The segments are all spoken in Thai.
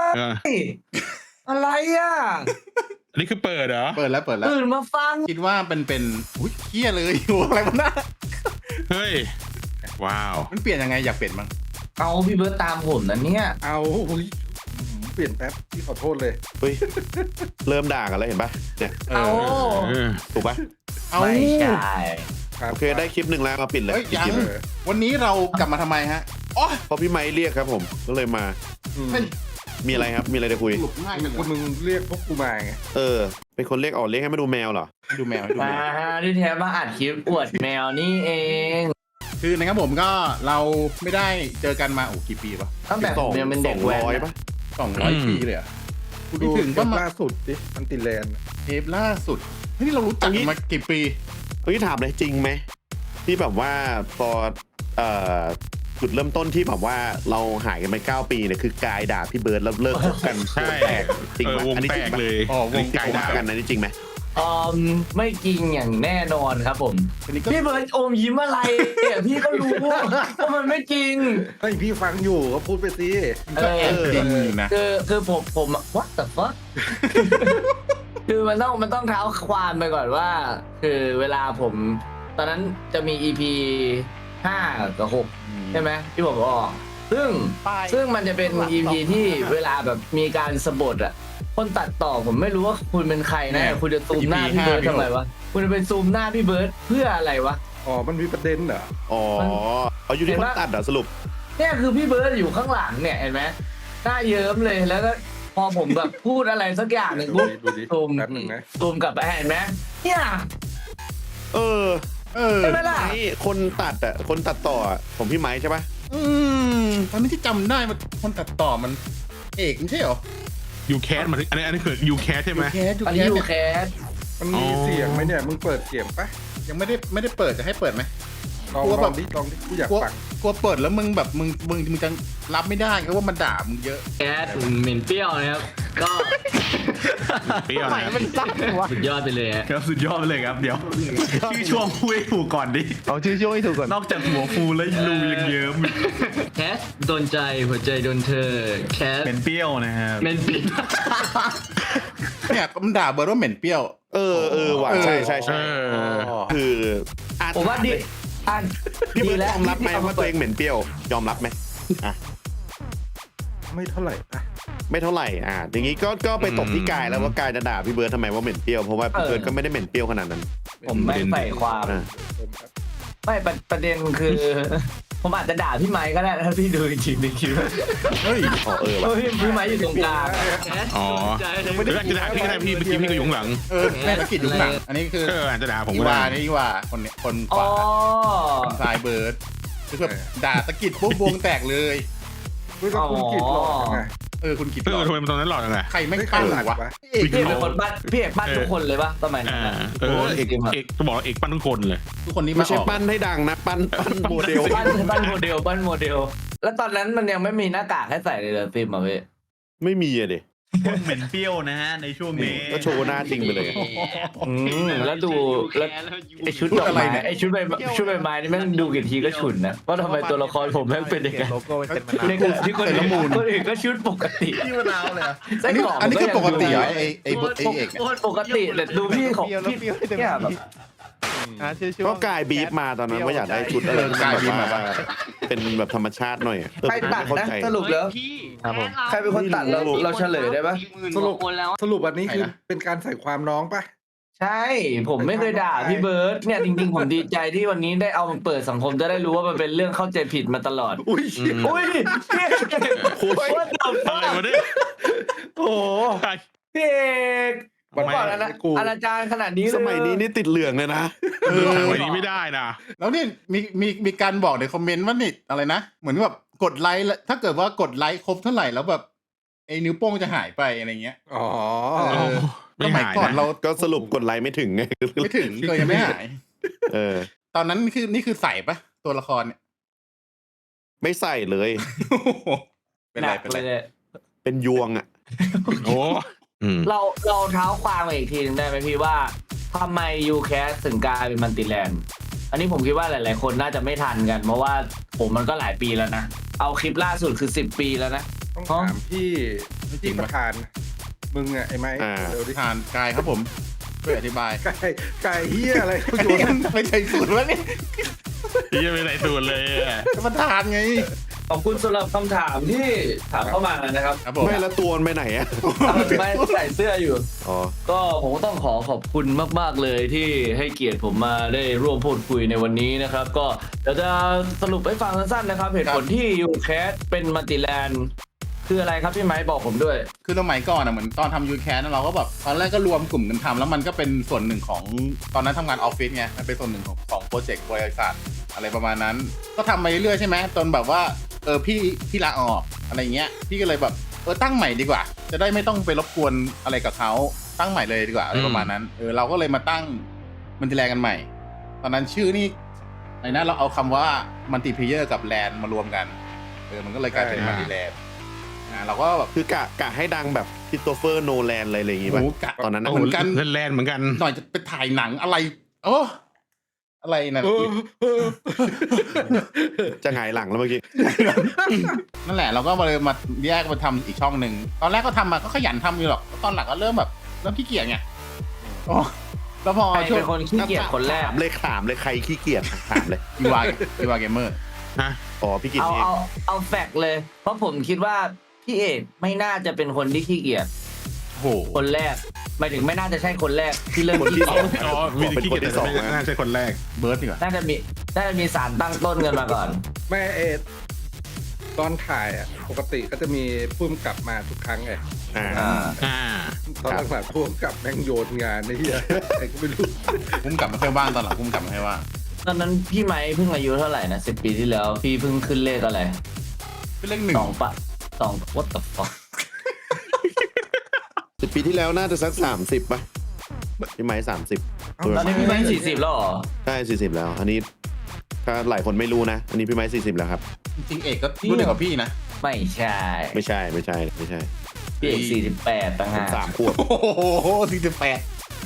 อะไรอ่ะอันนี้คือเปิดเหรอเปิดแล้วตื่นมาฟังคิดว่าเป็นอุ้ยเฮี้ยเลยอยู่อะไรวะน่ะเฮ้ยว้าวมันเปลี่ยนยังไงอยากเปลี่ยนมั้งเอาพี่เบิร์ตตามผมนะเนี่ยเอาเปลี่ยนแป๊บพี่ขอโทษเลยเฮ้ยเริ่มด่ากันแล้วเห็นปะเนี่ยเอาถูกปะเอาไม่ใช่โอเคได้คลิปหนึ่งแล้วมาปิดเลยเฮ้ยยังคลิปวันนี้เรากลับมาทำไมฮะอ๋อพอพี่ไม้เรียกครับผมก็เลยมาเฮ้ยมีอะไรครับมีอะไรจะคุยสรุปง่ายจังคุณมึงเรียกพวกกูมาไงเป็นคนเรียกเรียกให้มาดูแมวเหรอดูแมวดูมาแมวที่แท้มาอัดคลิปอวดแมวนี่เองคือนะครับผมก็เราไม่ได้เจอกันมากี่ปีวะตั้งแต่ผมยังเป็นเด็กแว้น 200 นะปะ 200 ปีเลยเหรอ่ะกูดูถึงก็ว่ามาล่าสุดดิมันติแลนด์เทปล่าสุดเฮ้ยนี่เรารู้จักกันมากี่ปีเฮ้ยถามเลยจริงไหมที่แบบว่าพอจุดเริ่มต้นที่แบบว่าเราหายกันไป9 ปีเนี่ยคือกายด่าพี่เบิร์ดแล้วเลิกคบกันใช่แตกจริงปะวงอันนี้แตจริงกปะเลยอ๋อวงที่คบกันอันนี้จริงไหมไม่จริงอย่างแน่นอนครับผมอันนี้ก็พี่เบิร์ตอมยิ้มอะไรเนี่ยพี่ก็รู้ว่ามันไม่จริงเฮ้ยพี่ฟังอยู่ก็พูดไปสิก็แอบจริงอยู่นะคือผม what the fuck คือมันต้องเท้าความไปก่อนว่า คือเวลาผมตอนนั้นจะมี EP 5 กับ 6 ใช่ไหมที่ผมออกซึ่งมันจะเป็น EP ที่เวลาแบบมีการสะบัดอ่ะคนตัดต่อผมไม่รู้ว่าคุณเป็นใครนะคุณจะซูมหน้าพี่เบิร์ดทำไมวะคุณจะเป็นซูมหน้าพี่เบิร์ดเพื่ออะไรวะอ๋อมันมีประเด็นเหรอเอาอยู่ที่คนตัดเหรอสรุปเนี่ยคือพี่เบิร์ดอยู่ข้างหลังเนี่ยเห็นไหมหน้าเยิ้มเลยแล้วก็พอผมแบบพูดอะไรสักอย่างหนึ่งปุ๊บดูดิซูมแป๊บหนึ่งนะซูมกลับไปเห็นไหมเนี่ยเออใช่ไหมล่ะคนตัดคนตัดต่อผมพี่ไม้ใช่ปะตอนนี้ที่จำได้มันคนตัดต่อมันเอกไม่ใช่เหรอยูแคสมาถึงอันนี้คือยูแคสใช่ไหมอันนี้อยู่แคสมันมีเสียงไหมเนี่ยมึงเปิดเสียงปะยังไม่ได้เปิดจะให้เปิดไหมลองกลัวลแบอบ งดิกูอยากกลัวฟังกลัวเปิดแล้วมึงแบบมึงจะรับไม่ได้เพราะว่ามันด่ามึงเยอะแคสเหม็นเปรี้ยวนะครับก็เปรี้ยวนะสุดยอดไปเลยฮะครับสุดยอดไปเลยครับเดี๋ยวชื่อช่วงพูดให้ถูกก่อนดิเอาชื่อช่วงให้ถูกก่อนนอกจากหัวฟูแล้วรูยังเยิ้มแคสโดนใจหัวใจโดนเธอแคสเป็นเปรี้ยวนะครับเหม็นเปรี้ยวเนี่ยมันด่าเบิร์ดว่าเหม็นเปรี้ยวหวานใช่คือผมว่าดีอันพี่เบิร์ดแล้วยอมรับไหมว่าตัวเองเหม็นเปรี้ยวยอมรับไหมอ่ะไม่เท่าไหร่ปะไม่เท่าไหร่อย่างนี้ก็ไปตบที่กายแล้วว่ากายจะด่าพี่เบิร์ดทำไมว่าเหม็นเปรี้ยวเพราะว่าพี่เบิร์ดก็ไม่ได้เหม็นเปรี้ยวขนาดนั้นผมไม่ใส่ความอ่ะไม่ประเด็นคือ ผมอาจจะด่าพี่ไม้ก็ได้ถ้าพี่ดูจริงๆคิดว่าเฮ้ยเพราะพี่ไม้อยู่ตรงกลางอ๋อไม่ได้จะด่าพี่ก็ได้พี่เมื่อกี้พี่ก็อยู่ข้างหลังแม่ตะกิดอยู่ข้างหลังอันนี้คืออาจจะด่าผมอีก็วาได้นี่อีวาคนเนี่ยคนขอ๋วาอซ้ายเบิร์ดคือแบบด่าตะกิดปุ๊บวงแตกเลยเฮ้ยแล้วคุณกิดหลอกยังไงคุณกิดทำไมมันตอนนั้นหล่อจังไงใครไม่ปั้นวะพี่เอกเป็นคนปั้นพี่เอกปั้นทุกคนเลยปะสมัยนั้นน่ะเอกจะบอกเอกปั้นทุกคนเลยทุกคนนี้ไม่มาใช่ออกปั้นให้ดังนะปั้นโมเดลปั้นโมเดลแล้วตอนนั้นมันยังไม่มีหน้ากากให้ใส่เลยเหรอฟิล์มอ่ะพี่ไม่มีอะดิเหม็นเปรี้ยวนะฮะในช่วงนี้ก็โชว์หน้าจริงไปเลยแล้วดูแล้วไอชุดดอกไม้ไอชุดใบไม้นี่แม่งดูกี่ทีก็ฉุนนะว่าทำไมตัวละครผมแม่งเป็นอย่างนั้นในกลุ่มที่คนอื่นก็ชุดปกติที่มะนาวเลยอะอันนี้คือปกติเหรอไอ้เอกปกติแต่ดูพี่ของพี่เนี่ยแบบก็กายบีฟมาตอนนั้นว่าอยากได้ชุดอะไรที่แบบว่าเป็นแบบธรรมชาติหน่อยใครตัดเข้านะใจสรุปแล้วใครเป็นคนตัดเราเฉลยได้ปะสรุปอันนี้คือเป็นการใส่ความน้องปะใช่ผมไม่เคยด่าพี่เบิร์ดเนี่ยจริงๆผมดีใจที่วันนี้ได้เอามาเปิดสังคมจะได้รู้ว่ามันเป็นเรื่องเข้าใจผิดมาตลอดอุ้ยอุ้ยพี่เอกว่าเดิมอะไรวะเนี่ยโอ้พี่เอกวันก่อนนะอนาจารย์ขนาดนี้เลยสมัยนี้นี่ติดเหลืองเลยนะทำไมนี้ไม่ได้นะแล้วนี่มีการบอกในคอมเมนต์ว่านี่อะไรนะเหมือนแบบกดไลค์ถ้าเกิดว่ากดไลค์ครบเท่าไหร่แล้วแบบไอ้นิ้วโป้งจะหายไปอะไรเงี้ยอ๋อไม่หายก่อนนะเราก็สรุปกดไลค์ไม่ถึงไงไม่ถึงก็ยังไม่หาย ตอนนั้นนี่คือใส่ปะตัวละครเนี่ยไม่ใส่เลยเป็นไรเป็นไรเป็นยวงอ่ะโอ้เราเท้าความมาอีกทีนึงได้ไหมพี่ว่าทำไมยูแคสถึงกลายเป็นมันติแลนด์อันนี้ผมคิดว่าหลายๆคนน่าจะไม่ทันกันเพราะว่าผมมันก็หลายปีแล้วนะเอาคลิปล่าสุดคือ10 ปีแล้วนะต้องถามพี่ไม่จริที่งปวะระธาน มึงอะไอ้ไม้เดี๋ยวดิทานกายครับผมช่วยอธิบายไก่เฮียอะไรเขาโยนไม่ใช่สูตรแล้วนี่พี่ยังไม่ไหนสูตรเลยอะมันทานไงขอบคุณสำหรับคำถามที่ถามเข้ามานะครับครับผมไม่ละตัวมันไปไหนอะไม่ใส่เสื้ออยู่อ๋อก็ผมก็ต้องขอบคุณมากๆเลยที่ให้เกียรติผมมาได้ร่วมพูดคุยในวันนี้นะครับ ก็เดี๋ยวจะสรุปให้ฟังสั้นๆนะครับ เหตุผลที่ยูแคสเป็นมัลติแลนด์คืออะไรครับพี่ไม้บอกผมด้วยคือสมัยก่อนอ่ะเหมือนตอนทำยูแคสเราก็แบบตอนแรกก็รวมกลุ่มกันทำแล้วมันก็เป็นส่วนหนึ่งของตอนนั้นทำงานออฟฟิศไงมันเป็นส่วนหนึ่งของโปรเจกต์บริษัทอะไรประมาณนั้น ก็ทำไปเรื่อยๆใช่ไหมจนแบบว่าพี่ลาออกอะไรเงี้ยพี่ก็เลยแบบตั้งใหม่ดีกว่า จะได้ไม่ต้องไปรบกวนอะไรกับเขาตั้งใหม่เลยดีกว่าอะไรประมาณนั้นเราก็เลยมาตั้งมันติแลนกันใหม่ ตอนนั้นชื่อนี่ไอ้นะเราเอาคำว่ามัลติเพเยอร์กับแลนมา รวมกันมันก็เลยกลายเป็นมัลติแลนเราก็แบบคือกะให้ดังแบบคริสโตเฟอร์โนแลนอะไรอย่างงี้ป่ะโอ้กะตอนนั้นนะเหมือนกันเล่นแลนเหมือนกันหน่อยจะไปถ่ายหนังอะไรโอ้อะไรนั่นจะหงายหลังแล้วเมื่อกี้นั่นแหละเราก็เลยมาแยกมาทำอีกช่องหนึ่งตอนแรกก็ทำมาก็ขยันทำอยู่หรอกตอนหลังก็เริ่มขี้เกียจไงโอ้แล้วพอใครช่วงเป็นคนขี้เกียจคนแรกถามเลยใครขี้เกียจถามเลยอีวาเกมเมอร์ฮะอ๋อพี่กิจเอาเองเอาแฟกต์เลย เพราะผมคิดว่าพี่เอกไม่น่าจะเป็นคนที่ขี้เกียจโอ้โหคนแรกหมายถึงไม่น่าจะใช่คนแรกที่เริ่มคนขี้ที่สเกีอย งจอ๋อมีแต่ขี้เกียจแต่ไม่น่าใช่คนแรกเบิร์ดดีกว่าน่าจะมีสารตั้งต้นกันมาก่อนแม่ตอนถ่ายอะปกติก็จะมีพุ่มกลับมาทุกครั้งไงอ่าอ่าตอนหลังๆพุ่มกลับแม่งโยนงานไอ้เหี้ยไอ้ก็ไม่รู้พุ่มกลับมาให้ว่างตอนหลังพุ่มกลับมาให้ว่างตอนนั้นพี่ไม้เพิ่งอายุเท่าไหร่นะ10 ปีที่แล้ว พี่เพิ่งขึ้นเลขอะไรเป็นเลขหนึ่ง 2 what the fuck 10 ปีที่แล้วน่าจะสัก30ป่ะพี่ไม้30 ตอนนี้พี่ไม้40แล้วเหรอใช่40แล้ว อันนี้ถ้าหลายคนไม่รู้นะ อันนี้พี่ไม้40แล้วครับจริงๆเอกก็รุ่นเดียวกับพี่นะไม่ใช่ไม่ใช่พี่เอก48ต่างผมหาก 3 ขวบโอ้โห48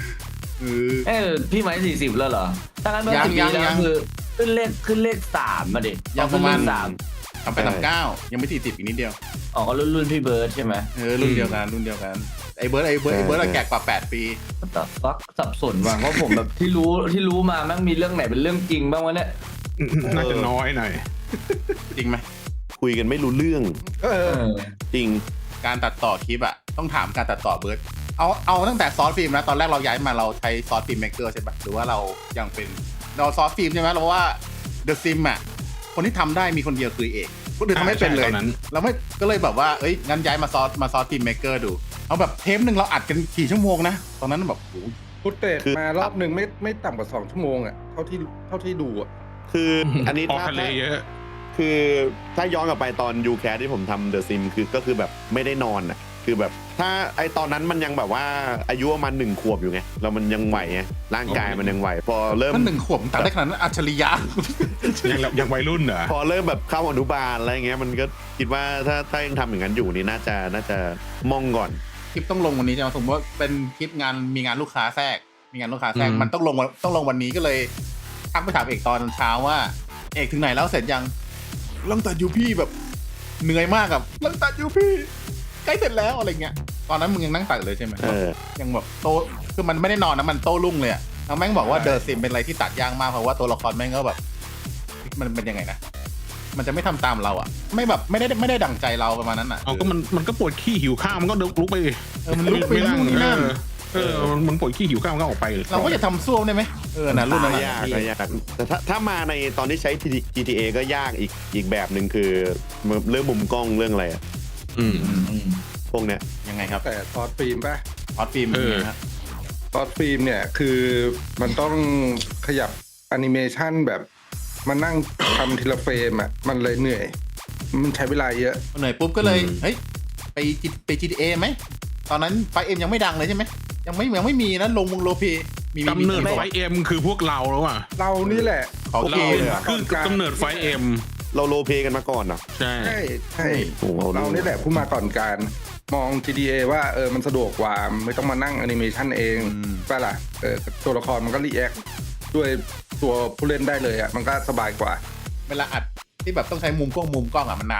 พี่ไม้40แล้วเหรอถ้างั้นเมื่อยัง 10 ปียังแล้ยัวงคือขึ้นเลข3มาดิยังประมาณขึ้นเลข3 ทำไป39ยังไม่40อีกนิดเดียวอ๋อก็รุ่นพี่เบิร์ดใช่ไหมรุ่นเดียวกันไอ้เบิร์ดอะแก่กว่า8 ปีแต่ฟักสับสนว่ะเพราะผมแบบที่รู้มาแม่งมีเรื่องไหนเป็นเรื่องจริงบ้างวะเนี่ยน่าจะน้อยหน่อยจริงไหมคุยกันไม่รู้เรื่องเออจริงการตัดต่อคลิปอะต้องถามการตัดต่อเบิร์ดเอาตั้งแต่ซอสฟิล์มนะตอนแรกเราย้ายมาเราใช้ซอสฟิล์มเมกเกอร์ใช่ปะหรือว่าเรายังเป็นเราซอสฟิล์มใช่ไหมเราว่าเดอะซิมอะคนที่ทำได้มีคนเดียวคือเอกคนอื่นทำไม่เป็นเลยใช่ตอนนั้นเราไม่ก็เลยแบบว่างั้นย้ายมาซอสฟิล์มเมกเกอร์ดูเอาแบบเทปหนึ่งเราอัดกันกี่ชั่วโมงนะตอนนั้นแบบโอ้โหฟุตเตจคือมารอบหนึ่งไม่ต่ำกว่า2 ชั่วโมงอ่ะเท่าที่ดูอ่ะคืออันนี้ออกถ้าทะเลเยอะคือถ้าย้อนกลับไปตอนยูแคสที่ผมทำเดอะซิมก็คือแบบไม่ได้นอนอ่ะคือแบบถ้าไอตอนนั้นมันยังแบบว่าอายุประมาณ1 ขวบอยู่ไงแล้วมันยังไหวไงร่างกายมันยังไหว พอเริ่มมัน1 ขวบตัดได้ขนาดนั้นอัจฉริยะยังวัยรุ่นเหรอพอเริ่มแบบเข้าอนุบาลอะไรเงี้ยมันก็คิดว่าถ้ายังทำอย่างนั้นอยู่นี่น่าจะมองก่อนคลิปต้องลงวันนี้ใช่ไหมสมมติว่าเป็นคลิปมีงานลูกค้าแทรกมันต้องลงวันนี้ก็เลยทักไปถามเอกตอนเช้าว่าเอกถึงไหนแล้วเสร็จยังลังตัดอยู่พี่แบบเหนื่อยมากกับลังตัดอยู่พี่ใกล้เสร็จแล้วอะไรเงี้ยตอนนั้นมึงยังนั่งตัดเลยใช่ไหม ยังแบบโตคือมันไม่ได้นอนนะมันโต้รุ่งเลยอะแล้วแม่งบอกว่าเดอะซิมเป็นอะไรที่ตัดยากมากเพราะว่าตัวละครแม่งก็แบบมันเป็นยังไงนะมันจะไม่ทำตามเราอะไม่แบบไม่ได้ดั่งใจเราประมาณนั้นอะเอาก็มันก็ปวดขี้หิวข้าวมันก็ลุกไปมันลุกไปนู่นนี่นั่นมันปวดขี้หิวข้าวมันก็ออกไปเราก็จะทำซ่วมได้ไหมนะรุ่นนั้นยากแต่ถ้ามาในตอนที่ใช้ GTA ก็ยากอีกแบบหนึ่งคือเรื่องมุมกล้องเรื่องอะไรอะ พวกเนี้ยยังไงครับแต่ซอสฟิล์มป่ะออสฟิล์มเป็นไงครับซอสฟิล์มเนี่ยคือมันต้องขยับแอนิเมชันแบบมานั่งทำทีละเฟรมอ่ะมันเลยเหนื่อย มันใช้เวลาเยอะเหนื่อยปุ๊บก็เลยเฮ้ยไป GTA ไหมตอนนั้นไฟเอ็มยังไม่ดังเลยใช่ไหมยังไม่มีนะลงวงโลเพมีกำเนิดไฟเอ็มคือพวกเราแล้วอ่ะเรานี่แหละขอเราเกเลยอะคือกำเนิดไฟเอ็มเราโรลเพลย์กันมาก่อนเหรอใช่ใช่โอ้โหเรานี่แหละผู้มาก่อนการมอง GTA ว่ามันสะดวกกว่าไม่ต้องมานั่งแอนิเมชันเองป่ะล่ะตัวละครมันก็รีแอคด้วยตัวผู้เล่นได้เลยอ่ะมันก็สบายกว่าเวลาอัดที่แบบต้องใช้มุมกล้องอะมันนานไหม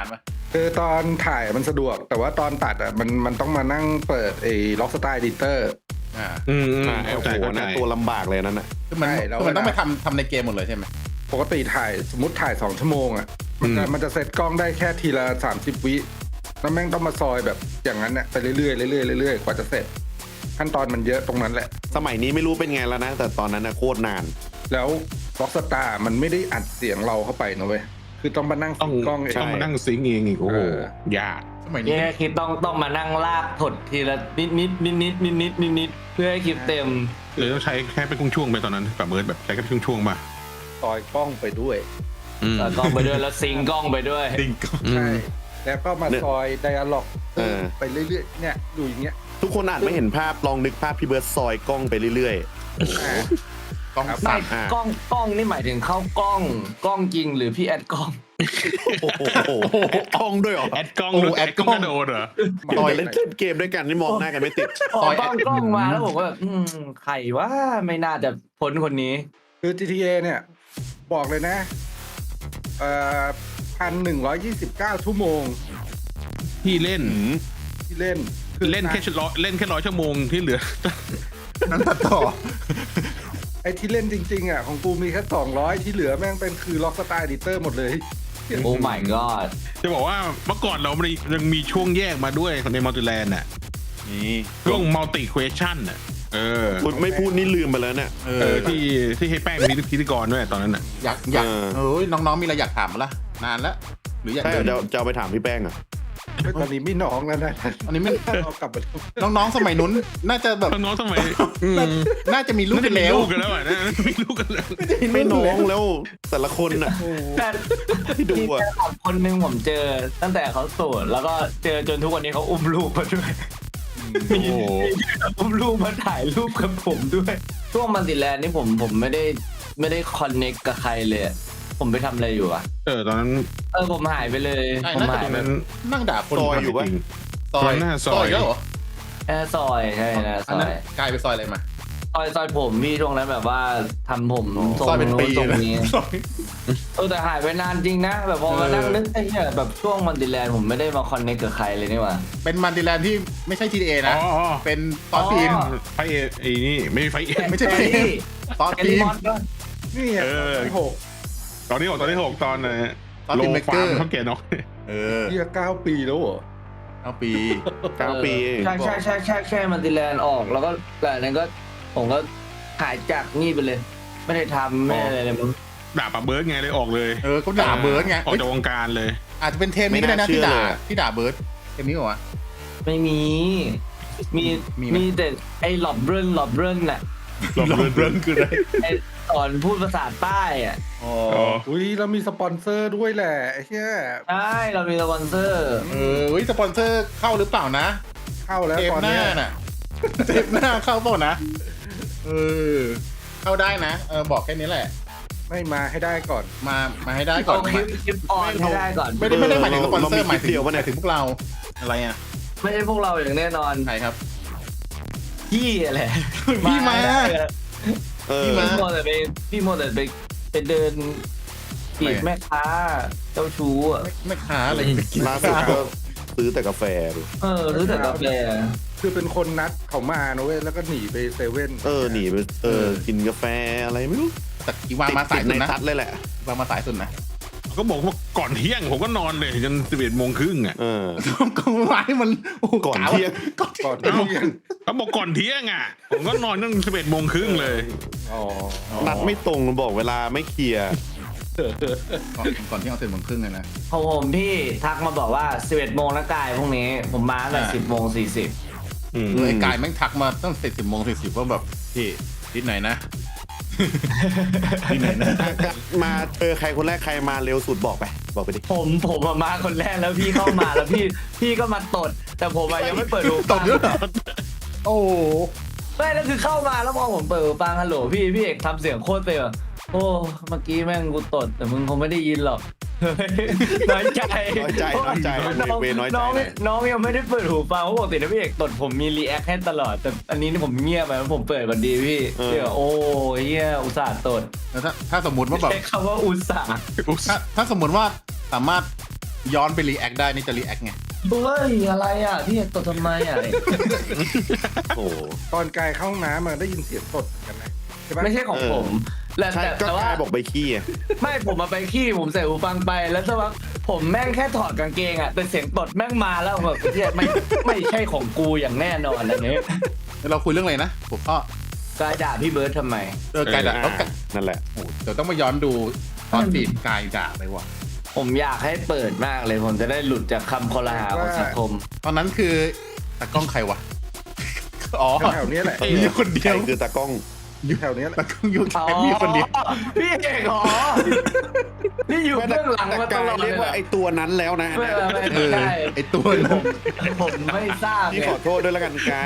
คือตอนถ่ายมันสะดวก แต่ว่าตอนตัดอ่ะมันต้องมานั่งเปิดไอ้ Rockstar Editor อ่าโอ้โหนะตัวลำบากเลยนั่นน่ะคือมันใช่แล้วคือมันต้องไปทำในเกมหมดเลยใช่ไหมปกติถ่ายสมมติถ่าย2 ชั่วโมงอ่ะมันจะเซตกล้องได้แค่ทีละ30 วิแล้วแม่งต้องมาซอยแบบอย่างนั้นเนี่ยไปเรื่อยๆเรื่อยๆเรื่อยๆกว่าจะเสร็จขั้นตอนมันเยอะตรงนั้นแหละสมัยนี้ไม่รู้เป็นไงแล้วนะ แต่ตอนนั้นนะโคตรนานแล้ว Rockstar มันไม่ได้อัดเสียงเราเข้าไปนะเว้ยคือต้องมานั่งต้องกล้องเองต้องมานั่งซิงค์เองอีกโอ้โหยากสมัยนี้แค่คิดต้องมานั่งลากถดทีละนิดเพื่อให้คลิปเต็มเลยต้องใช้แค่เป็นช่วงๆไปตอนนั้นกับเมิร์ดแบบใช้แค่เป็นช่วงๆมาซอยกล้องไปด้วยกล้องไปด้วยแล้วซิงค์กล้องไปด้วยใช่แล้วก็มาเนี่ยซอยไดอะล็อกอไปเรื่อยๆเนี่ยดูอย่างเงี้ยทุกคนอาจไม่เห็นภาพลองนึกภาพพี่เบิร์ดซอยกล้องไปเรื่อยกล้องครับสั่ไม่นอ่ากล้องนี่หมายถึงเข้ากล้องจริงหรือพี่แอดกล้องๆ โอ้โหกล้องด้วยเหรอแอดกล้องแอดกล้องโดนเหรอซอยเล่นเกมด้วยกันนี่มองหน้ากันไม่ติดออกกล้องมาแล้วผมก็แบบใครว่าไม่น่าจะพ้นคนนี้คือ GTA เนี่ยบอกเลยนะ1,129 ชั่วโมงที่เล่นที่เล่นเล่นแค่100 ชั่วโมงที่เหลือนั้นตัดต่อไอ้ที่เล่นจริงๆอ่ะของกูมีแค่200ที่เหลือแม่งเป็นคือ Rockstar Editor หมดเลยโอ้ my god จะบอกว่าเมื่อก่อนเรายังมีช่วงแยกมาด้วยในมัลติแลนด์น่ะนี่ช่วงมัลติเควชั่นน่ะคุณไม่พูดนี่ลืมไปแล้วเนี่ยที่ให้แป้งเป็นพิธีกรด้วยตอนนั้นน่ะอยากเอ้ยน้องๆมีอะไรอยากถามมั้ยล่ะนานแล้วหรืออยากใช่จะเอาไปถามพี่แป้งอ่ะตอนนี้ไม่น้องแล้วนะอันนี้ไม่เอากลับมาดูน้องๆสมัยนู้นน่าจะแบบน้องสมัยน่าจะมีลูกน่ากัจะนมีแล้วลูกกันแล้วอ่ะมีลูกกันแล้วไม่น้องแล้วแต่ละคนน่ะ ที่ดูมีอะแฟนคลับคนหนึ่งผมเจอตั้งแต่เขาโสดแล้วก็เจอจนทุกวันนี้เขาอุ้มลูกมาด้วยโอ้โหอุ้มลูกมาถ่ายรูปกับผมด้วยช่วงมันติแลนด์นี่ผมไม่ได้คอนเน็กกับใครเลยอะผมไปทำอะไรอยู่อะตอนนั้นผมหายไปเลยใช่ผมน่าหายจะไปนั้นนั่งด่าคนซอยอยู่ปะซอยหน้าซอยแล้วเหรอซอยใช่นะซอันอนั้นยกลายไปซอยอะไรมาซอยผมพี่ช่วงนั้นแบบว่าทำผมทรงซอยเป็นปีทรงเลยนี้ซอยแต่หายไปนานจริงนะ แบบพอมานั่งนึกไอ้เนี่ยแบบช่วงมันติแลนด์ผมไม่ได้มาคอนเน็กกับใครเลยนี่หว่าเป็นมันดิแลนด์ที่ไม่ใช่ GTA อ๋นะอเป็นตอนฟิล์มไฟไอ้นี่ไม่ไฟไม่ใช่ฟิล์มตอนแอฟินิล์มมอนก็นี่ไงหกตอนที่6ตอนที่6ตอนตอนโลทีมเมกฟาเกอร์มร์เขาเกณฑ์เนาะเฮีย9 ปีแล้วเหรอเอาปี 9 ปีใช่มันติแลนด์ออกแล้วก็หลังนั้นก็ผมก็หายจากนี่ไปเลย ไม่ได้ทำไม่ได้อะไรเลยมึงด่าปะเบิร์ดไงเลยออกเลยก็ด่าเบิร์ดไงออกจากวงการเลยอาจจะเป็นเทมนี้ก็ได้นะที่ด่าเบิร์ดเทมนี้เหรอวะไม่มีมีไหมมีแต่ไอ้หลอบเบิร์นน่ะเบิร์ดคืออะไรไอ้สอนพูดภาษาใต้อ่ะอ๋ออุ้ยเรามีสปอนเซอร์ด้วยแหละไอ้เหี้ยใช่เรามีสปอนเซอร์สปอนเซอร์เข้าหรือเปล่านะเข้าแล้วเทปตอนหน้าเนี้ยน่ะเทปหน้าเข้าเปล่านะเข้าได้นะบอกแค่นี้แหละไม่มาให้ได้ก่อนมาให้ได้ก่อนเอาคลิปออนให้ได้ก่อนไม่ได้หมายถึงสปอนเซอร์เรามีหมายถึงคลิปเดียวปะเนี่ยถึงพวกเราอะไรอ่ะไม่ใช่พวกเราอย่างแน่นอนใครครับพี่แหละพี่มาเออพี่โมแต่ไปเดินจีบแม่ค้าเจ้าชู้อ่ะไม่ค้าอะไรไปกินล่าสุดก็ซื้อแต่กาแฟดูรู้แต่กาแฟคือเป็นคนนัดเขามานะเว้ยแล้วก็หนีไปเซเว่นหนีไปกินกาแฟอะไรไม่รู้แต่อีวางมาสายติดสุในดนะทัดเลยแหละวางมาสายสุดนะก็บอกว่าก่อนเที่ยงผมก็นอนเลยจน11:30อ่ะก็วางให้มันก่อนเที่ยงก่อนเที่ยงเขาบอกก่อนเที่ยงอ่ะผมก็นอนตั้ง11:30เลยอ๋อนัดไม่ตรงบอกเวลาไม่เคลียร์ก่อนที่เอาเสร็จโมงครึ่งเลยนะของผมพี่ทักมาบอกว่า 11 โมงนะกายพรุ่งนี้ ผมมาตั้งแต่ 10 โมง 40 ไอ้กายแม่งทักมาตั้งแต่10:40ว่าแบบพี่นิดไหนนะมาใครคนแรกใครมาเร็วสุดบอกไปดิผมมาคนแรกแล้วพี่เข้ามาแล้วพี่ก็มาตด แต่ผมยังไม่เปิดหูตฟับงด้วยเหรอโอ้ไม่แล้วคือเข้ามาแล้วพอผมเปิดหูฟังฮัลโหลพี่เอกทำเสียงโคตรเต็มอะโอ้เมื่อกี้แม่งกูตดแต่มึงคงไม่ได้ยินหรอก น้อยใจน้อยใจน้อยใจน้องเวน้อยใจน้องหน่อยน้องยังไม่ได้เปิดหูฟังเพราะปกตินะพี่เอกตดผมมีรีแอคให้ตลอดแต่อันนี้ผมเงียบไปผมเปิดบันดีพี่เดี๋ยวโอ้เฮียอุตส่าห์ตดแล้วถ้าสมมติว่าแบบใช้คำว่าอุตส่าห์ถ้าสมมติว่าสามารถย้อนไปรีแอคได้นี่จะรีแอคไงเฮ้ยอะไรอ่ะพี่ตดทำไมอ่ะโอ้โหตอนกายเข้าห้องน้ำมันได้ยินเสียงตดเหมือนกันนะใช่ปะไม่ใช่ของผมใช่ก็แต่ว่ากายบอกไปขี้อะไม่ผมมาไปขี้ผมใส่หูฟังไปแล้วสักพักผมแม่งแค่ถอดกางเกงอ่ะแต่เสียงตดแม่งมาแล้วแบบเหี้ยไม่ใช่ของกูอย่างแน่นอนอันนี้แล้วเราคุยเรื่องอะไรนะผมก็กายด่าพี่เบิร์ดทำไมกายด่าอ่านั่นแหละโอ้โหเดี๋ยวต้องมาย้อนดูตอนบีบกายด่าไปว่ะผมอยากให้เปิดมากเลยผมจะได้หลุดจากคำคอรหาของสังคมตอนนั้นคือตากล้องใครวะอ๋อแถวๆเนี้ยแหละมีอยู่คนเดีใครยวคือตากล้องแถวเนี้ยแหละตากล้องอยู่แค่มีอยู่คนเดียวพี่เอกเหรอนี่อยู่เบื้องหลังมาตกาลยอดเลเรียยกว่าไอตัวนั้นแล้วนะไม่ใช่ไอตัวผมไม่ทราบพี่ไงขอโทษด้วยแล้วกันกาย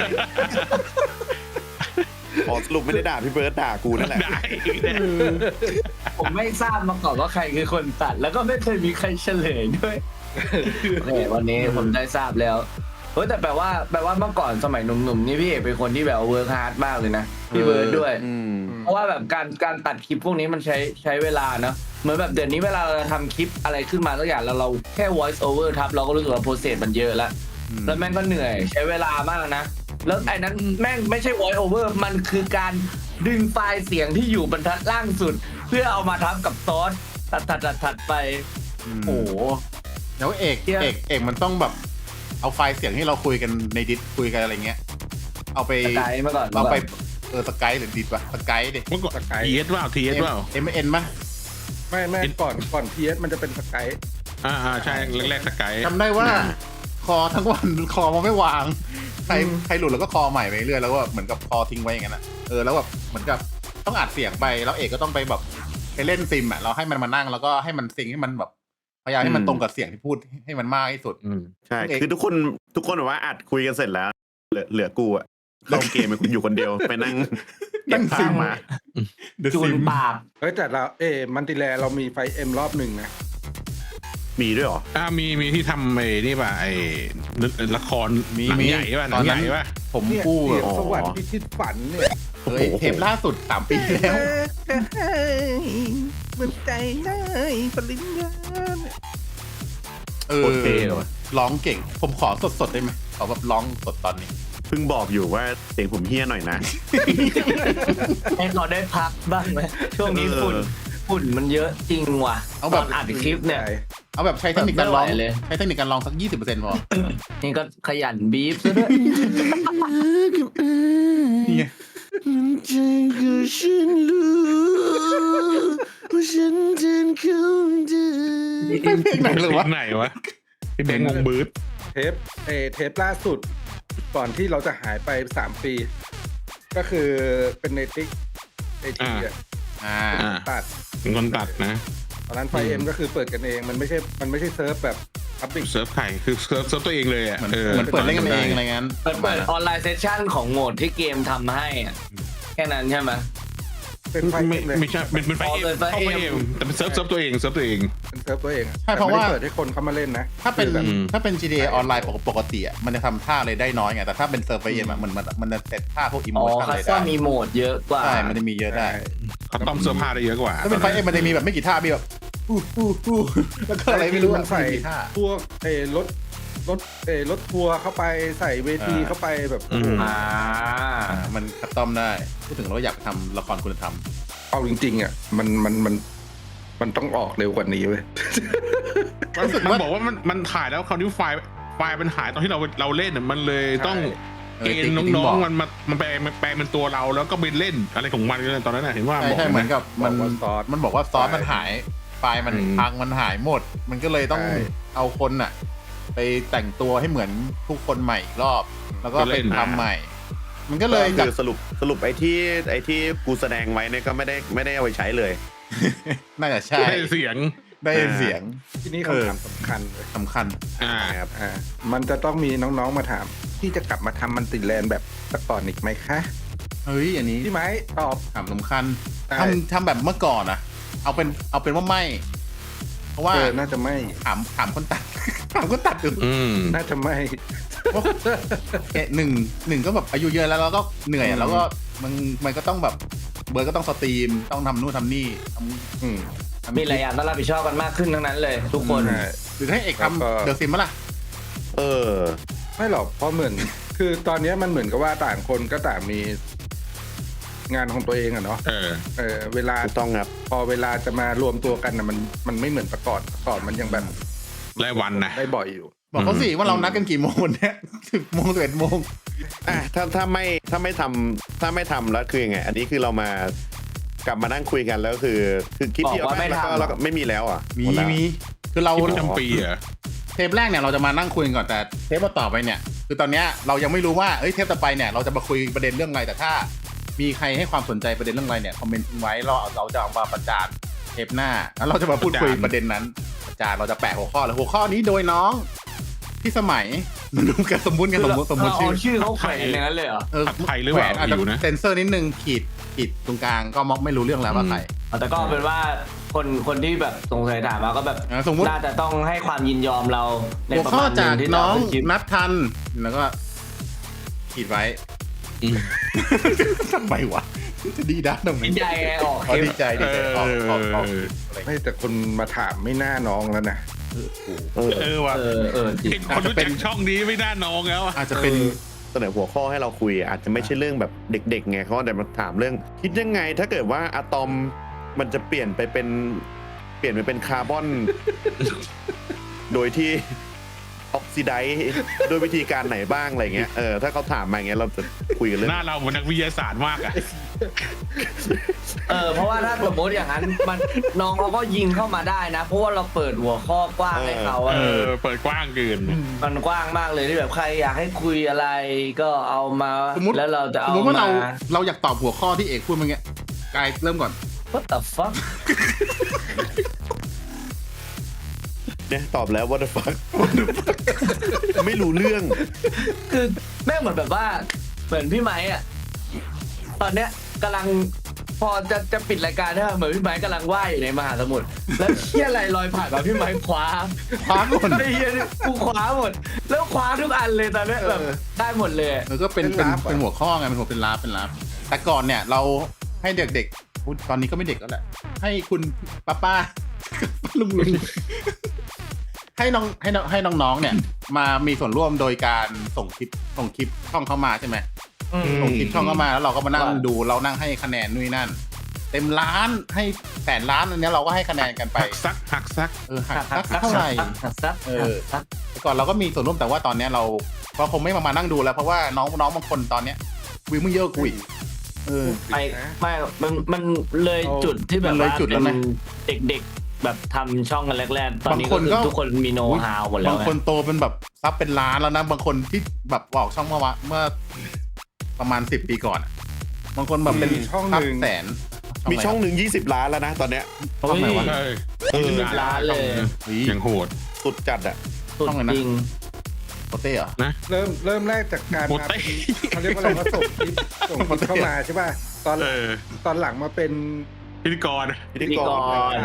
ขอสรุปไม่ได้ด่าพี่เบิร์ดด่ากูนั่นแหละได้ผมไม่ทราบมาก่อนว่าใครคือคนตัด แล้วก็ไม่เคยมีใครเฉลยด้วยโอเควันนี้ผมได้ทราบแล้วเฮ้ยแต่แปลว่าเมื่อก่อนสมัยหนุ่มๆนี่พี่เอกเป็นคนที่แบบเวิร์คฮาร์ดมากเลยนะพี่เบิร์ดด้วยอืมเพราะว่าแบบการตัดคลิปพวกนี้มันใช้เวลาเนอะเหมือนแบบเดี๋ยวนี้เวลาเราทำคลิปอะไรขึ้นมาสักอย่างแล้วเราแค่ voice over ทับเราก็รู้สึกว่าโปรเซสมันเยอะแล้วแล้วแม่งก็เหนื่อยใช้เวลามากนะแล้วไอ้นั้นแม่งไม่ใช่ voice over มันคือการดึงไฟล์เสียงที่อยู่บรรทัดล่างสุด เพื่อเอามาทับกับซอสถัดไปโอ้โหแล้วเอกเหี้ยเอกมันต้องแบบเอาไฟล์เสียงที่เราคุยกันในดิสคุยกันอะไรเงี้ยเอาไปสกายเมื่อก่อนเอาไปสกายหรือดิสวะสกายดิเมื่อก่อนทีเอสเปล่าทีเอสเปล่า MN มั้ยไม่ก่อน PS มันจะเป็นสกายใช่แรกๆสกายจำได้ว่าคอทั้งวันคอมันไม่วางใครหลุดแล้วก็คอใหม่ไปเรื่อยแล้วก็เหมือนกับคอทิ้งไว้อย่างนั้นนะแล้วแบบเหมือนกับต้องอัดเสียงไปแล้วเอกก็ต้องไปแบบไปเล่นซิมอ่ะเราให้มันมานั่งแล้วก็ให้มันซิงให้มันแบบพยายามให้มันตรงกับเสียงที่พูดให้มันมากที่สุดใช่คือทุกคนแบบว่าอัดคุยกันเสร็จแล้วเหลือกูอะเข้าเกมอยู่คนเดียวไปนั่งเก็บภาพมาจูนปากเฮ้ยแต่เรามันติแลเรามีไฟเอ็มรอบหนึ่งนะมีด้วยเหรอมีที่ทำไอ้นี่ป่ะไอ้ละครมีหนังใหญ่ป่ะหนังใหญ่ป่ะผมเนี่ยกู้เสียงอ๋อสวรรค์พิชิตฝันเนี่ยเทปล่าสุด3 ปีแล้วเหมือนใจได้ปริญญาโคตรเท่เลยว่ะร้องเก่ง ผมขอสดๆได้ไหมขอแบบร้องสดตอนนี้เพิ่งบอกอยู่ว่าเสียงผมเฮี้ยหน่อยนะให้เราได้พักบ้างไหมช่วงนี้ฝุ่นมันเยอะจริงว่ะเอาแบบตนอัดคลิปเนี่ยเอาแบบใช้เทคนิคการร้องไม่ไหวเลยใช้เทคนิคการร้องสัก 20%พอนี่ก็ขยันบีฟซะด้วยนี่ไง เพลงไหนเลยวะไหนวะพี่แบงค์วงบืดเทปล่าสุด ก่อนที่เราจะหายไป3 ปี ก็คือเป็นในติ๊กไอทีอ่ะ ตัดเป็นคนตัดนะตอนนั้นไฟเอ็มก็คือเปิดกันเองมันไม่ใช่เซิร์ฟแบบพับบิกเซิร์ฟไข่คือเซิร์ฟตัวเองเลยอ่ะเหมือนเปิดเล่นกันเองอะไรงั้นเปิดออนไลน์เซสชั่นของโหมดที่เกมทำให้อะแค่นั้นใช่ไหมเป็นไฟไม่เอ็มเลยไม่ใช่เป็นไฟอ๋อเอ็เป็มนไฟเข้าไปเอ็เอมงแต่เป็นเซิร์ฟตัวเองเป็นเซิร์ฟตัวเองอะใช่เพราะว่าแต่ไม่ได้เปิดให้คนเข้ามาเล่นนะถ้าเป็นคือแบบถ้าเป็น GTA ออนไลน์ปกติอ่ะมันจะทำท่าอะไรได้น้อยไงแต่ถ้าเป็นเซิร์ฟเวอร์เอ็มอ่ะมันจะเซตท่าพวกอิโมอ๋อชั่นคัอะไรสตอได้มมีโหมดเยอะกว่าใช่มันจะมีเยอะได้เขาต้อมเสื้อผ้าได้เยอะกว่าถ้าเป็นไฟเอ็มมันจะมีแบบไม่กี่ท่ามีแบบอู้แล้วก็อะไรไม่รู้มันใส่กี่ท่าพวกรถทัวร์เข้าไปใส่เวทีเข้าไปแบบโอ้โหอ่ามันคัสตอมได้พูดถึงเราอยากทำละครคุณธรรมเอาจริงๆอ่ะมันต้องออกเร็วกว่านี้เว้ยมันบอกว่ามันถ่ายแล้วคราวนี้ไฟล์มันหายตอนที่เราเล่นน่ะมันเลยต้องเกณฑ์น้องๆมันแปลเป็นตัวเราแล้วก็ไปเล่นอะไรของมันเลยตอนนั้นน่ะเห็นว่าใช่บอกใช่เหมือนกับมันบอกว่าซอสมันบอกว่าซอสมันหายไฟล์มันพังมันหายหมด มันก็เลยต้องใช่เอาคนน่ะ ไปแต่งตัวให้เหมือนทุกคนใหม่อีกรอบ แล้วก็ไปทำใหม่ มันก็เลยคือสรุปไอ้ที่กูแสดงไว้เนี่ยก็ไม่ได้เอาไปใช้เลยน่าจะใช่ได้เสียงได้เสียงที่นี่คำถามสำคัญเลยสำคัญครับมันจะต้องมีน้องๆมาถาม ที่จะกลับมาทำมันติแลนด์แบบแต่ก่อนอีกไหมคะเฮ้ยอันนี้พี่ไม้ตอบถามสำคัญใช่ทำแบบเมื่อก่อนอะเอาเป็นว่าไม่ เพราะว่าน่าจะไม่ถามคนตัด ถามคนตัดดูน่าจะไม่หนึ่งก็แบบอายุเยอะแล้วเราก็เหนื่อยอะแล้วก็มันก็ต้องแบบเบิร์ดก็ต้องสตรีมต้องทำนู่นทำนี่อืมมีหลายอย่างต้องรับผิดชอบกันมากขึ้นทั้งนั้นเลย ทุกคนหรือให้เอกแล้วก็ทำเดอะซิมมั้ยล่ะเออไม่หรอกเพราะเหมือน คือตอนนี้มันเหมือนกับว่าต่างคนก็ต่างมีงานของตัวเองอะเนาะ เวลาถูกต้องครับพอเวลาจะมารวมตัวกันนะมันไม่เหมือนแต่ก่อนมันยังแบบรายวันนะได้บ่อยอยู่บอกเขาสิว่าเรานัดกันกี่โมงเนี่ย10 โมง 11 โมงอ่ะถ้าไม่ทำแล้วคือยังไง อันนี้คือเรามากลับมานั่งคุยกันแล้วคือคลิปที่เอาบอกว่าไม่แล้วทำแล้วก็ไม่มีแล้วอ่ะมีหดแล้วคือเราที่ประจำปีเหรอเทปแรกเนี่ยเราจะมานั่งคุยกันก่อนแต่เทปต่อไปเนี่ย คือตอนเนี้ยเรายังไม่รู้ว่าเทปต่อไปเนี่ยเราจะมาคุยประเด็นเรื่องอะไรแต่ถ้า มีใครให้ความสนใจประเด็นเรื่องอะไรเนี่ยคอมเมนต์ทิ้งไว้เราจะเอามาประจานเทปหน้าแล้วเราจะมาพูดคุยประเด็นนั้นประจานเราจะแปะหัวข้อแล้วหัวข้อนี้โดยน้องที่สมัยมันดูกันสมมุติกันสมมุติเอาชื่อชื่อเขาแขวนอย่างนั้นเลยเหรอผัดไทยหรือแหเปวล่านอาจจะอยู่นะเซนเซอร์นิดนึงขีดตรงกลางก็มอกไม่รู้เรื่องแล้วว่าใครแต่ก็เป็นว่าคนที่แบบสงสัยถามมาก็แบบสมมุติน่าจะต้องให้ความยินยอมเราในหัวประข้อมาณหจากนึ่งที่น้องจะเาคลิปนัดทันแล้วก็ขีดไว้ทำไมวะจะดีด้าทำไมดีใจไงออกคอ๋อลิปดีใจออกอะไรไม่แต่คนมาถามไม่น่าน้องแล้วนะว่ะจริงเห็นคนรู้จักช่องนี้ไม่น่าน้องแล้วอะอาจจะเป็นเสนอหัวข้อให้เราคุยอาจจะไม่ใช่เรื่องแบบเด็กๆไงเขาแต่มาถามเรื่อง คิดยังไงถ้าเกิดว่าอะตอมมันจะเปลี่ยนไปเป็นคาร์บอน โดยที่ออกซิไดซ์โดยวิธีการไหนบ้างอะไรเงี้ยถ้าเขาถามมาอย่างเงี้ยเราจะคุยกันเรื่องหน้าเราเหมือนนักวิทยาศาสตร์มากอะเพราะว่าถ้าสมมติอย่างนั้นมันน้องเขาก็ยิงเข้ามาได้นะ เพราะว่าเราเปิดหัวข้อกว้างให้เขาเปิดกว้างเกินมันกว้างมากเลยที่แบบใครอยากให้คุยอะไรก็เอามาสมมติแล้วเราจะสเอามมติว่ามาเราอยากตอบหัวข้อที่เอกพูดเมื่อกี้กายเริ่มก่อน What the fuck เนี่ยตอบแล้ว what the fuck ไม่รู้เรื่องคือแม่งเหมือนแบบว่าเหมือนพี่ไม้อะตอนเนี้ยกำลังพอจะปิดรายการเนี่ยเหมือนพี่ไม้กำลังว่ายอยู่ในมหาสมุทรแล้วเชี่ยอะไรลอยผ่านมาพี่ไม้คว้าหมดไอ้เหี้ยนี่กูคว้าหมด แล้วคว้าทุกอันเลยตอนเนี้ยแบบได้หมดเลยมันก็เป็นหัวข้อไงเป็นลาบแต่ก่อนเนี่ยเราให้เด็กๆตอนนี้ก็ไม่เด็กแล้วแหละให้คุณป้า ลุงให้น้องๆเนี่ยมามีส่วนร่วมโดยการส่งคลิปช่องเข้ามาใช่ไหมส่งคลิปช่องเข้ามาแล้วเราก็มานั่งดูเรานั่งให้คะแนนนู่นนั่น เต็มล้านให้แสนล้านอันนี้เราก็ให้คะแนนกันไปหักซักหักซักเท่าไหร่ซักแต่ก่อนเราก็มีส่วนร่วมแต่ว่าตอนนี้เราคงไม่มานั่งดูแล้วเพราะว่าน้องบางคนตอนเนี้ยวิวมึงเยอะกุยไม่มันเลยจุดที่แบบมันเลยว่าจุดแล้วเป็นะนเด็กๆแบบทำช่องกันแรกๆตอนนี้ก็คือทุกคนมีโน้ตฮาวหมดแล้วบางคนโตเป็นแบบซับเป็นล้านแล้วนะบางคนที่แบบบอกช่องเมื่อประมาณ10 ปีก่อนบางคนแบบเป็นช่องหนึ่งซับแสนมีช่องหนึ่ง20 ล้านแล้วนะตอนเนี้ยช่องไหนวะ 20 ล้านเลยยังโหดสุดจัดอ่ะสุดช่องไหนนะจริงโปเต้เหรอเริ่มแรกจากการโปมาเต้เขาเรียกว่าอะไรว่าส่งคลิปเข้ามาใช่ป่ะตอนหลังมาเป็นพิธีกรพิธีกร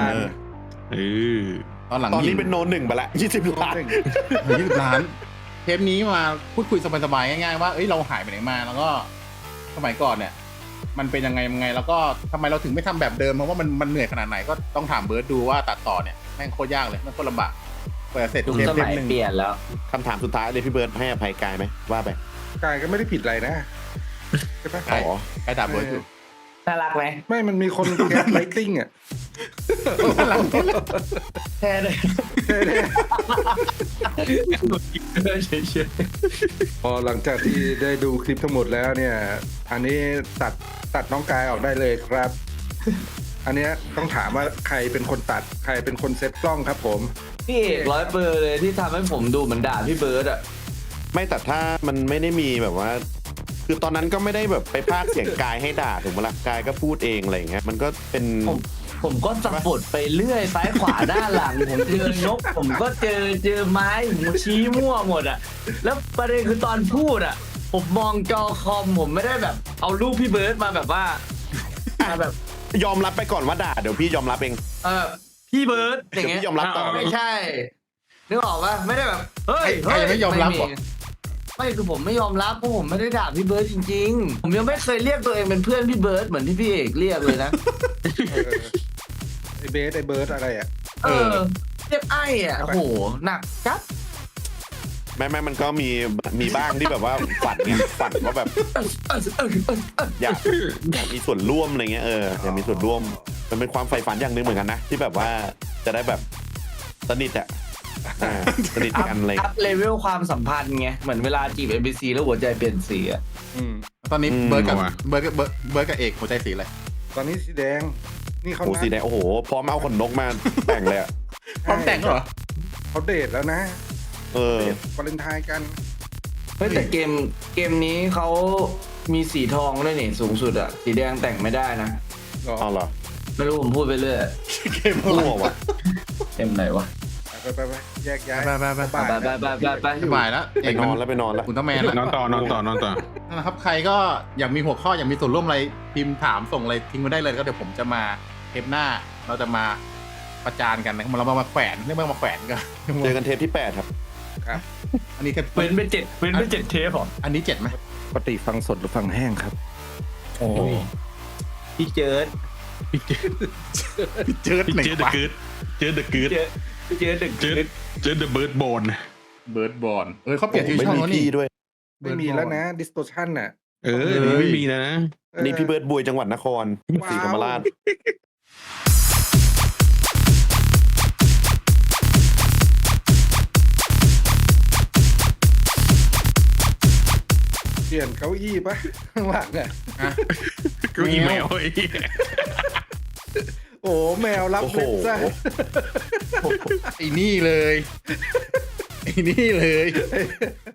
ตอนหลังตอนนี้เป็นโนนหนึ่งไปละ20 ล้าน 20 ล้านเทปนี้มาพูดคุยสบายๆง่ายๆว่าเอ้ยเราหายไปไหนมาแล้วก็สมัยก่อนเนี่ยมันเป็นยังไงแล้วก็ทำไมเราถึงไม่ทำแบบเดิมเพราะว่ามันเหนื่อยขนาดไหนก็ต้องถามเบิร์ดดูว่าตัดต่อเนี่ยแม่งโคตรยากเลยแม่งโคตรลำบากกว่าจะเสร็จยุคเทปสมัยหนึ่งเปลี่ยนแล้วคำถามสุดท้ายเลยพี่เบิร์ดให้อภัยกายไหมว่าไปกายก็ไม่ได้ผิดอะไรนะใช่ปะอ๋อใครด่าเบิร์ดอยู่น่ารักไหมไม่มันมีคนแคสไลติ้งอ่ะแค่เลยพอหลังจากที่ได้ดูคลิปทั้งหมดแล้วเนี่ย อันนี้ตัดน้องกายออกได้เลยครับ อันเนี้ยต้องถามว่าใครเป็นคนตัดใครเป็นคนเซตกล้องครับผมพี่เอก100%เลยที่ทำให้ผมดูเหมือนด่าพี่เบิร์ดอ่ะไม่แต่ถ้ามันไม่ได้มีแบบว่า คือตอนนั้นก็ไม่ได้แบบไปพากย์เสียงกายให้ด่าถูกไหมล่ะกายก็พูดเองอะไรอย่างเงี้ยมันก็เป็นผมก็สับบทไปเรื่อยซ้ายขวาด้านหลัง ผมเจอนกผมก็เจอไม้ผมชี้มั่วหมดอ่ะแล้วประเด็นคือตอนพูดอ่ะผมมองจอคอมผมไม่ได้แบบเอารูปพี่เบิร์ดมาแบบว่ามาแบบยอมรับไปก่อนว่าด่าเดี๋ยวพี่ยอมรับเองพี่เบิร์ดอย่างเงี้ยเดี๋ยวพี่ยอมรับต่อไม่ใช่นึกออกปะไม่ได้แบบเฮ้ยใครยังไม่ยอมรับเหรอไม่คือผมไม่ยอมรับเพราะผมไม่ได้ด่าพี่เบิร์ดจริงๆผมยังไม่เคยเรียกตัวเองเป็นเพื่อนพี่เบิร์ดเหมือนที่พี่เอกเรียกเลยนะเบสไอเบิร์ดอะไรอ่ะเรียกไอ้อ่ะโอ้โหหนักจัดแม่มันก็มีบ้างที่แบบว่าฝันไงฝันว่าแบบอยากมีส่วนร่วมอะไรเงี้ยอยากมีส่วนร่วมมันเป็นความใฝ่ฝันอย่างหนึ่งเหมือนกันนะที่แบบว่าจะได้แบบสนิทอะสนิทกันอะไรอัพเลเวลความสัมพันธ์ไงเหมือนเวลาจีบ NPC แล้วหัวใจเปลี่ยนสีอ่ะตอนนี้เบิร์ดกับเอกหัวใจสีอะไรตอนนี้สีแดง นี่เขาโอ้สีแดงโอ้โหพร้อมเอาขนนกมาแต่งเลยอะพร้อมแต่งเหรอเขาเดทแล้วนะเออเดทวาเลนไทน์กันเฮ้ยแต่เกมนี้เขามีสีทองด้วยนี่สูงสุดอ่ะสีแดงแต่งไม่ได้นะเอาเหรอไม่รู้ผมพูดไปเรื่อยเกมอะไรมั่ววะเกมไหนวะไปแยกย้ายไปไปสบายแล้วไปนอนแล้วคุณต้องแมนแล้วนอนต่อนั่นแหละครับใครก็อยากมีหัวข้ออยากมีส่วนร่วมอะไรพิมพ์ถามส่งอะไรทิ้งมาได้เลยก็เดี๋ยวผมจะมาเทปหน้าเราจะมาประจานกันนะครับเรามาแขวนเรื่องมาแขวนกันเจอกันเทปที่8ครับอันนี้เทปเว้นไป7เทปเหรออันนี้7ไหมปกติฟังสดหรือฟังแห้งครับโอ้พี่เจิดเจิดเจอเดอะกืดเจอเดอะกืดเจิดดึกเจอเดอะเบิร์ดโบนเบิร์ดบอลเขาเปลี่ยนชื่อไม่ช่องมีแล้วนี่พี่ด้วยไม่มีแล้วนะ distortion น่ะไม่มีนะนี่พี่เบิร์ดบุยจังหวัดนครศรีธรรมราชเปลี่ยนเก้าอี้ปะข้างหลังอ่ะก็อีเมลไอ้โอ้แมวรับโอ้โหเล็บซะไอ้นี่เลยไอ้นี่เลย